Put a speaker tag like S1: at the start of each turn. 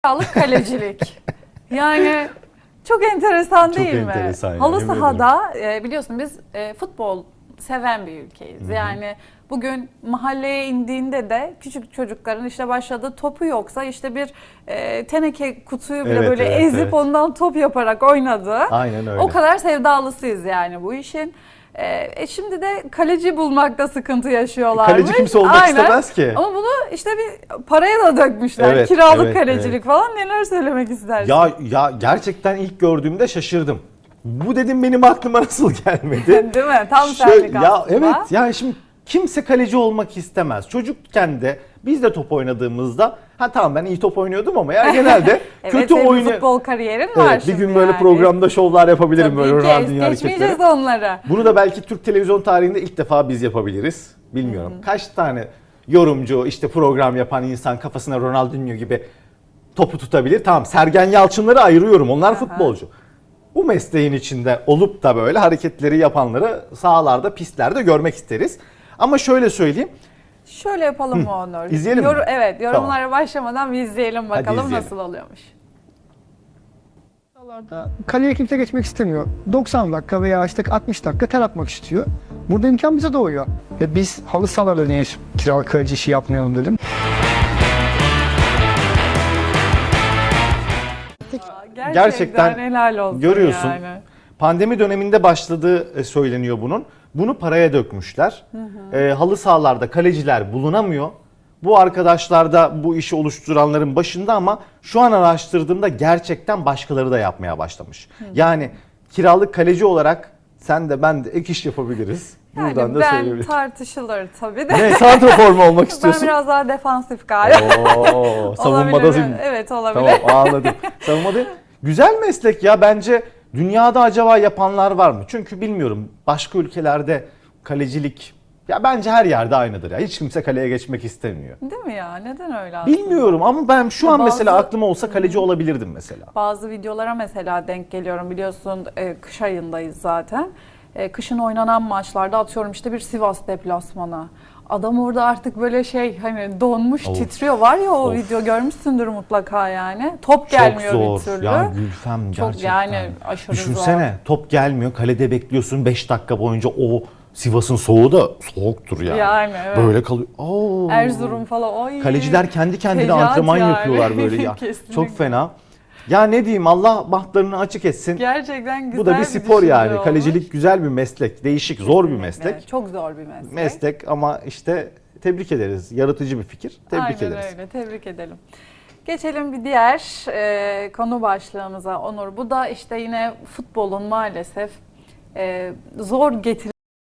S1: Kiralık kalecilik. Yani çok enteresan değil mi?
S2: enteresan
S1: Halı
S2: yemin
S1: sahada biliyorsun biz futbol seven bir ülkeyiz.
S2: Hı hı.
S1: Yani bugün mahalleye indiğinde de küçük çocukların işte başladığı topu yoksa işte bir teneke kutuyu bile
S2: Evet,
S1: böyle
S2: evet,
S1: ezip
S2: evet.
S1: ondan top yaparak oynadığı.
S2: Aynen öyle.
S1: O kadar sevdalısıyız yani bu işin. Şimdi de kaleci bulmakta sıkıntı yaşıyorlarmış.
S2: Kaleci kimse olmak
S1: Aynen.
S2: istemez ki.
S1: Ama bunu işte bir paraya da dökmüşler.
S2: Evet,
S1: Kiralık
S2: evet,
S1: kalecilik
S2: evet.
S1: falan, neler söylemek istersin?
S2: Ya gerçekten ilk gördüğümde şaşırdım. Bu dedim benim aklıma nasıl gelmedi?
S1: Değil mi? Tam
S2: Şöyle-
S1: senlik
S2: ya
S1: aslında.
S2: evet, yani şimdi kimse kaleci olmak istemez. Çocukken de biz de top oynadığımızda tamam ben iyi top oynuyordum ama ya genelde
S1: Evet,
S2: kötü
S1: senin
S2: oyunu.
S1: futbol kariyerin var
S2: Evet, bir
S1: şimdi
S2: gün böyle
S1: yani.
S2: programda şovlar yapabilirim,
S1: Tabii
S2: böyle
S1: ki,
S2: Ronaldinho
S1: geçmeyeceğiz
S2: hareketleri.
S1: onları.
S2: Bunu da belki Türk televizyon tarihinde ilk defa biz yapabiliriz. Bilmiyorum. Kaç tane yorumcu, işte program yapan insan kafasına Ronaldinho gibi topu tutabilir. Tamam, Sergen Yalçınları ayırıyorum. Onlar futbolcu. Bu mesleğin içinde olup da böyle hareketleri yapanları sahalarda, pistlerde görmek isteriz. Ama şöyle söyleyeyim.
S1: Şöyle yapalım mı Onur?
S2: İzleyelim mi?
S1: Evet, yorumlara başlamadan bir izleyelim bakalım
S2: izleyelim.
S1: nasıl oluyormuş.
S3: Kaleye kimse geçmek istemiyor. 90 dakika veya işte 60 dakika ter atmak istiyor. Burada imkan bize doğuyor. Ve biz halı sahalarda niye kiralık kaleci işi yapmayalım dedim.
S2: Gerçekten
S1: helal olsun
S2: görüyorsun.
S1: yani.
S2: Pandemi döneminde başladığı söyleniyor bunun. Bunu paraya dökmüşler. Halı sahalarda kaleciler bulunamıyor. Bu arkadaşlar da bu işi oluşturanların başında ama şu an araştırdığımda gerçekten başkaları da yapmaya başlamış. Yani kiralık kaleci olarak sen de ben de ek iş yapabiliriz.
S1: Yani
S2: Buradan da
S1: ben
S2: söyleyebilirim.
S1: tartışılır tabii de.
S2: Ne, santrafor mu olmak
S1: Ben
S2: istiyorsun?
S1: biraz daha defansif galiba.
S2: Oo, savunmada
S1: Olabilir.
S2: değil mi?
S1: Evet, olabilir.
S2: Tamam, anladım. Savunmada güzel meslek ya, bence dünyada acaba yapanlar var mı? Çünkü bilmiyorum, başka ülkelerde kalecilik ya bence her yerde aynıdır ya. Hiç kimse kaleye geçmek istemiyor.
S1: Değil mi ya? Neden öyle aslında?
S2: Bilmiyorum ama ben şu
S1: Ya
S2: an mesela
S1: bazı-
S2: aklıma olsa kaleci olabilirdim mesela.
S1: Bazı videolara mesela denk geliyorum, biliyorsun kış ayındayız zaten. Kışın oynanan maçlarda atıyorum işte bir Sivas deplasmanı. Adam orada artık böyle hani donmuş,
S2: Of.
S1: titriyor. Var ya o
S2: Of.
S1: video, görmüşsündür mutlaka yani. Top gelmiyor
S2: Çok
S1: bir
S2: zor.
S1: türlü.
S2: Ya Gülfem,
S1: Çok
S2: gerçekten.
S1: yani aşırı
S2: Düşünsene, top gelmiyor, kalede bekliyorsun 5 dakika boyunca, o Sivas'ın soğuğu da soğuktur yani.
S1: Yani evet.
S2: Böyle kalıyor. Oo.
S1: Erzurum falan. Ay.
S2: Kaleciler kendi kendine
S1: Fecaat
S2: antrenman
S1: yani.
S2: yapıyorlar böyle ya.
S1: Kesinlikle.
S2: Çok fena. Ya ne diyeyim, Allah bahtlarını açık etsin.
S1: Gerçekten güzel
S2: Bu da bir spor yani.
S1: düşünce
S2: Kalecilik
S1: olmuş.
S2: güzel bir meslek. Değişik, zor bir
S1: Kesinlikle.
S2: meslek.
S1: Çok zor bir meslek.
S2: Meslek ama işte tebrik ederiz. Yaratıcı bir fikir. Tebrik
S1: Aynen
S2: ederiz.
S1: öyle, tebrik edelim. Geçelim bir diğer konu başlığımıza Onur. Bu da işte yine futbolun maalesef zor getirilen